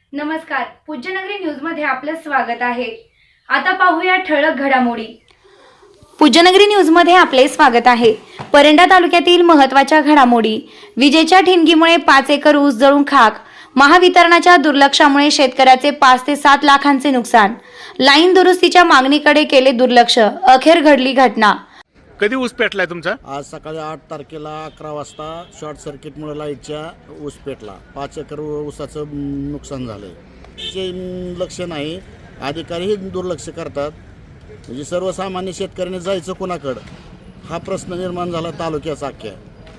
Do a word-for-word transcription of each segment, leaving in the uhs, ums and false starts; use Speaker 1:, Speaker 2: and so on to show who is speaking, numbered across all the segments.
Speaker 1: नमस्कार, पूज्यनगरी न्यूज मध्ये आपलं स्वागत आहे। आता पाहूया ठळक घडामोडी। पूज्यनगरी न्यूज मध्ये आपले स्वागत आहे। परंडा तालुक्यातील महत्त्वाच्या घडामोडी। विजेच्या ठिणगीमुळे पाच एकर ऊस जळून खाक। महावितरणाच्या दुर्लक्षामुळे शेतकऱ्याचे पाच ते सात लाखांचे नुकसान। लाईन दुरुस्तीच्या मागणीकडे केले दुर्लक्ष, अखेर घडली घटना।
Speaker 2: कधी ऊस पेटलाय तुमचा?
Speaker 3: आज सकाळी आठ तारखेला अकरा वाजता शॉर्ट सर्किटमुळे लाईटच्या ऊस पेटला। पाच एकर ऊसाचं नुकसान झालंय। जे लक्ष नाही, अधिकारीही दुर्लक्ष करतात। म्हणजे सर्वसामान्य शेतकऱ्याने जायचं कोणाकडं हा प्रश्न निर्माण झाला तालुक्याचा अख्ख्या।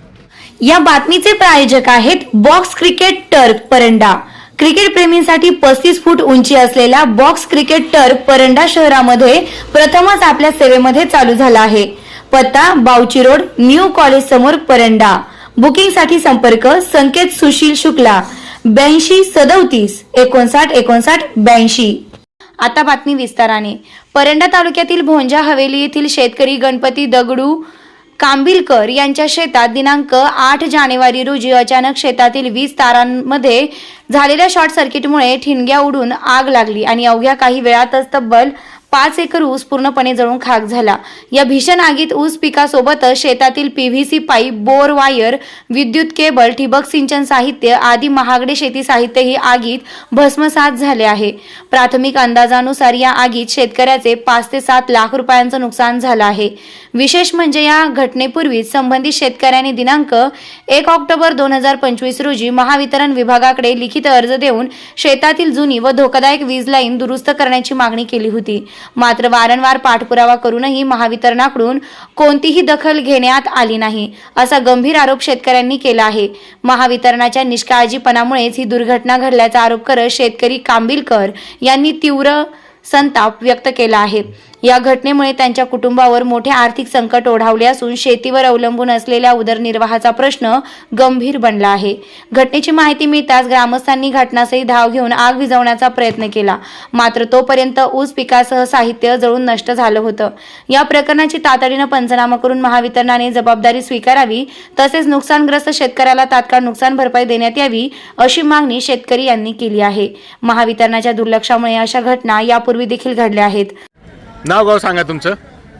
Speaker 1: या बातमीचे प्रायोजक आहेत box cricket turf Paranda. Cricket प्रेमींसाठी पस्तीस फूट उंची असलेला बॉक्स क्रिकेट टर्फ परंडा शहरामध्ये प्रथमच आपल्या सेवेमध्ये चालू झाला आहे। पत्ता बावची रोड, न्यू कॉलेज समोर, परंडा। बुकिंग साठी संपर्क संकेत सुशील शुक्ला ब्याऐंशी सदतीस एकोणसाठ एकोणसाठ ब्याऐंशी। आता बातमी विस्ताराने। परंडा तालुक्यातील भोंजा हवेली येथील शेतकरी गणपती दगडू कांबिलकर यांच्या शेतात दिनांक आठ जानेवारी रोजी अचानक शेतातील वीज तारांमध्ये झालेल्या शॉर्ट सर्किटमुळे ठिणग्या उडून आग लागली आणि अवघ्या काही वेळातच तब्बल पाच एकर ऊस पूर्णपणे जळून खाक झाला। या भीषण आगीत ऊस पिकासोबतच शेतातील पीव्हीसी पाईप, बोर वायर, विद्युत केबल, ठिबक सिंचन साहित्य आदी महागडे शेती साहित्यही आगीत भस्मसात झाले आहे। प्राथमिक अंदाजानुसार या आगीत शेतकऱ्याचे पाच ते सात लाख रुपयांचं नुकसान झालं आहे। विशेष म्हणजे या घटनेपूर्वी संबंधित शेतकऱ्यांनी दिनांक एक ऑक्टोबर दोन हजार पंचवीस रोजी महावितरण विभागाकडे लिखित अर्ज देऊन शेतातील जुनी व धोकादायक वीज लाईन दुरुस्त करण्याची मागणी केली होती। मात्र वारंवार पाठपुरावा करूनही महावितरणाकडून कोणतीही दखल घेण्यात आली नाही, असा गंभीर आरोप शेतकऱ्यांनी केला आहे। महावितरणाच्या निष्काळजीपणामुळेच ही दुर्घटना घडल्याचा आरोप करत शेतकरी कांबिलकर यांनी तीव्र संताप व्यक्त केला आहे। या घटनेमुळे त्यांच्या कुटुंबावर मोठे आर्थिक संकट ओढावले असून शेतीवर अवलंबून असलेल्या उदरनिर्वाहाचा प्रश्न गंभीर बनला आहे। घटनेची माहिती मिळताच ग्रामस्थांनी घटनास्थळी धाव घेऊन आग विझवण्याचा प्रयत्न केला, मात्र तोपर्यंत ऊस पिकासह साहित्य जळून नष्ट झालं होतं। या प्रकरणाची तातडीनं पंचनामा करून महावितरणाने जबाबदारी स्वीकारावी, तसेच नुकसानग्रस्त शेतकऱ्याला तात्काळ नुकसान भरपाई देण्यात यावी, अशी मागणी शेतकरी यांनी केली आहे। महावितरणाच्या दुर्लक्षामुळे अशा घटना यापूर्वी देखील घडल्या आहेत।
Speaker 2: नाव गाव सांगा तुमचं?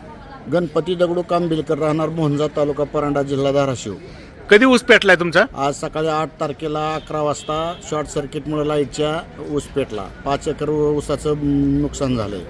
Speaker 3: गणपती दगडू कांबिलकर, राहणार भोंजा, तालुका परंडा, जिल्हा धाराशिव।
Speaker 2: कधी ऊस पेटलाय तुमचा?
Speaker 3: आज सकाळी आठ तारखेला अकरा वाजता शॉर्ट सर्किटमुळे लाईटच्या ऊस पेटला। पाच एकर ऊसाचं नुकसान झालंय।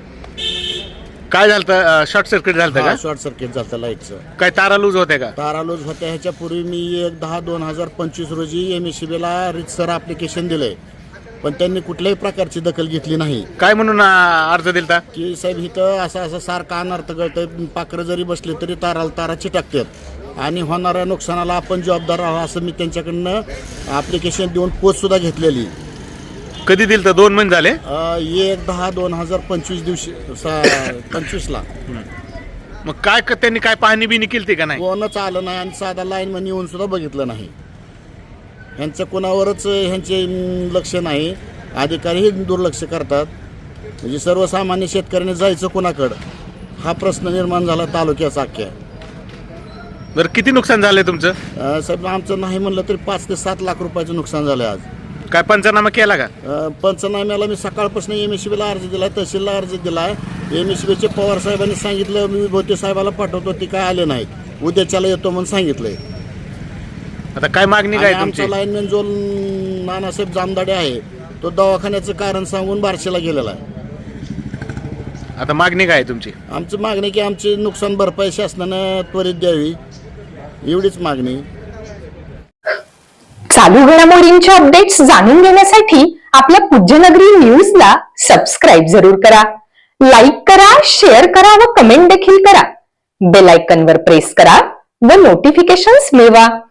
Speaker 2: काय झालं? शॉर्ट सर्किट झालं का?
Speaker 3: शॉर्ट सर्किट झालं लाईटचं।
Speaker 2: काय तारा लूज होते का?
Speaker 3: तारा लूज होत्या। ह्याच्या पूर्वी मी एक दहा दोन हजार पंचवीस रोजी एम एस ला रितसर ऍप्लिकेशन दिलंय, पण त्यांनी कुठल्याही प्रकारची दखल घेतली नाही।
Speaker 2: काय म्हणून अर्ज दिलता? की
Speaker 3: साहेब इथं असं असं सारखा अनर्थ घडतंय, पाखरं जरी बसले तरी ताराला तारा चिटकतात आणि होणाऱ्या नुकसानाला आपण जबाबदार आहोत, असं मी त्यांच्याकडनं ऍप्लिकेशन देऊन पोच सुद्धा घेतलेली।
Speaker 2: कधी दिलता? दोन महिने झाले।
Speaker 3: एक दहा दोन हजार पंचवीस दिवशी पंचवीस ला।
Speaker 2: मग काय त्यांनी काय पाहणी बिनी केली का नाही?
Speaker 3: कोणच आलं नाही आणि साधा लाईन मध्ये येऊन सुद्धा बघितलं नाही। ह्यांचं कोणावरच ह्यांचे लक्ष नाही, अधिकारीही दुर्लक्ष करतात। म्हणजे सर्वसामान्य शेतकऱ्याने जायचं कोणाकडं हा प्रश्न निर्माण झाला तालुक्याचा अख्ख्या।
Speaker 2: बरं, किती नुकसान झालंय तुमचं?
Speaker 3: साहेब आमचं नाही म्हणलं तरी पाच ते सात लाख रुपयाचं नुकसान झालंय आज।
Speaker 2: काय पंचनामा केला का?
Speaker 3: पंचनाम्याला मी सकाळपासून एम एस बीला अर्ज दिलाय, तहसीलला अर्ज दिलाय। एम एस बीचे पवार साहेबांनी सांगितलं मी भोते साहेबाला पाठवतो, ते काय आले नाहीत। उद्याच्याला येतो म्हणून सांगितलंय।
Speaker 2: आता काय मागणी काय तुमची?
Speaker 3: आमचा लाईनमॅन जो नानासाहेब जामदाडे आहे तो दवाखान्याचं कारण सांगून बार्शीला गेलेला आहे।
Speaker 2: आता मागणी काय तुमची?
Speaker 3: आमची मागणी की आमची नुकसान भरपाई शासनानं त्वरित द्यावी, एवढीच मागणी।
Speaker 4: चालू घडामोडींचे अपडेट्स जाणून घेण्यासाठी आपल्या पूज्यनगरी न्यूजला सबस्क्राईब जरूर करा, लाईक करा, शेअर करा व कमेंट देखील करा। बेल आयकॉनवर प्रेस करा व नोटिफिकेशन्स मिळवा।